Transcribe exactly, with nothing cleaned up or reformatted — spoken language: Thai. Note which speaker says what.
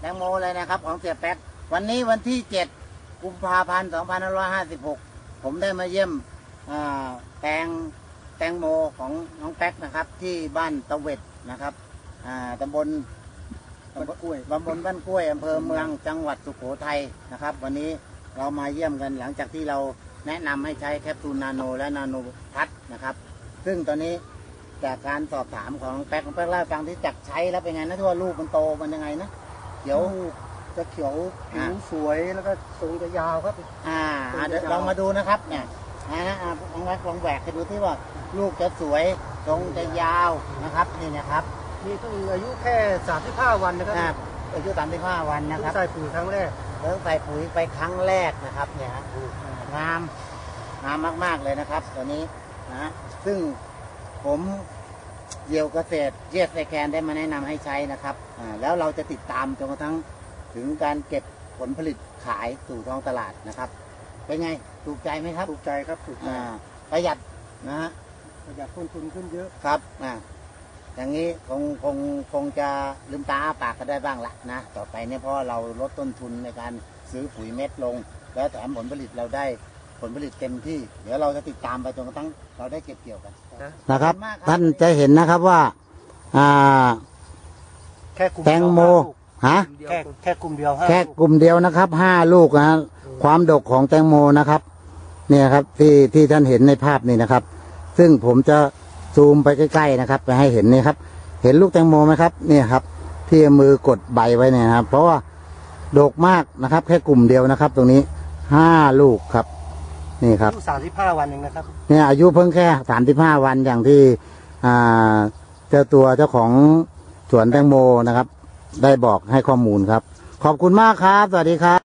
Speaker 1: แตงโมเลยนะครับของเสียแป๊กวันนี้วันที่เจ็ดกุมภาพันธ์สองพันห้าร้อยห้าสิบหกผมได้มาเยี่ยมแตงแตงโมของน้องแป๊กนะครับที่บ้านตะเวดนะครับตำบลตำบลกล้วยตำบลบ้านกล้วยอำเภอเมืองจังหวัดสุโขทัยนะครับวันนี้เรามาเยี่ยมกันหลังจากที่เราแนะนำให้ใช้แคปซูลนาโนและนาโนพัทนะครับซึ่งตอนนี้จากการสอบถามของน้องแป๊กน้องแป๊กเล่าฟังที่จักใช้แล้วเป็นไงนะที่ว่าลูกมันโตมันยังไงนะเขียว
Speaker 2: จะเขียวผิวสวยแล้วก็ทรงจะยาวครับ
Speaker 1: อ่าเดี๋ยวลองมาดูนะครับเนี่ยนะลองลองแหวกให้ดูที่ว่าลูกจะสวยทรงจะยาวนะครับนี่นะครับ
Speaker 2: นี่เพิ่งอายุแค่สามสิบห้าวันนะครับ
Speaker 1: อายุสามสิบห้าวันนะครับ
Speaker 2: ใส่ปุ๋ยครั้งแรก
Speaker 1: เริ่มใส่ปุ๋ยไปครั้งแรกนะครับเนี่ยงามงามมากๆเลยนะครับตัวนี้นะซึ่งผมเยี่ยวเกษตรเยสไซแคนได้มาแนะนำให้ใช้นะครับอ่าแล้วเราจะติดตามจนกระทั่งถึงการเก็บผลผลิตขายสู่ท้องตลาดนะครับเป็นไงถูกใจไหมครับ
Speaker 2: ถูกใจครับถูกใจ
Speaker 1: ประหยัดนะฮะ
Speaker 2: ประหยัดต้นทุนขึ้นเยอะ
Speaker 1: ครับอ่าอย่างนี้คงคงคงจะลืมตาอ้าปากก็ได้บ้างละนะต่อไปเนี่ยเพราะเราลดต้นทุนในการซื้อปุ๋ยเม็ดลงแล้วแถมผลผลิตเราได้ผลผลิตเต็มที่เดี๋ยวเราจะติดตามไปจนกระทั่งเราได้เก็บเกี่ยวกันนะครับท่านจะเห็นนะครับว่าอ่า
Speaker 2: แค่
Speaker 1: แตงโมฮะ
Speaker 2: แค่แค่กลุ่มเดียว
Speaker 1: แค่กลุ่มเดียวนะครับห้าลูกนะความดกของแตงโมนะครับเนี่ยครับที่ที่ท่านเห็นในภาพนี่นะครับซึ่งผมจะซูมไปใกล้ๆนะครับไปให้เห็นนี่ครับเห็นลูกแตงโมไหมครับเนี่ยครับที่มือกดใบไว้เนี่ยครับเพราะว่าดกมากนะครับแค่กลุ่มเดียวนะครับตรงนี้ห้าลูกครับนี่ครับ
Speaker 2: สามสิบห้าวันเองนะครับ
Speaker 1: เนี่ยอายุเพิ่งแค่สามสิบห้าวันอย่างที่อ่าเจ้าตัวเจ้าของสวนแตงโมนะครับได้บอกให้ข้อมูลครับขอบคุณมากครับสวัสดีครับ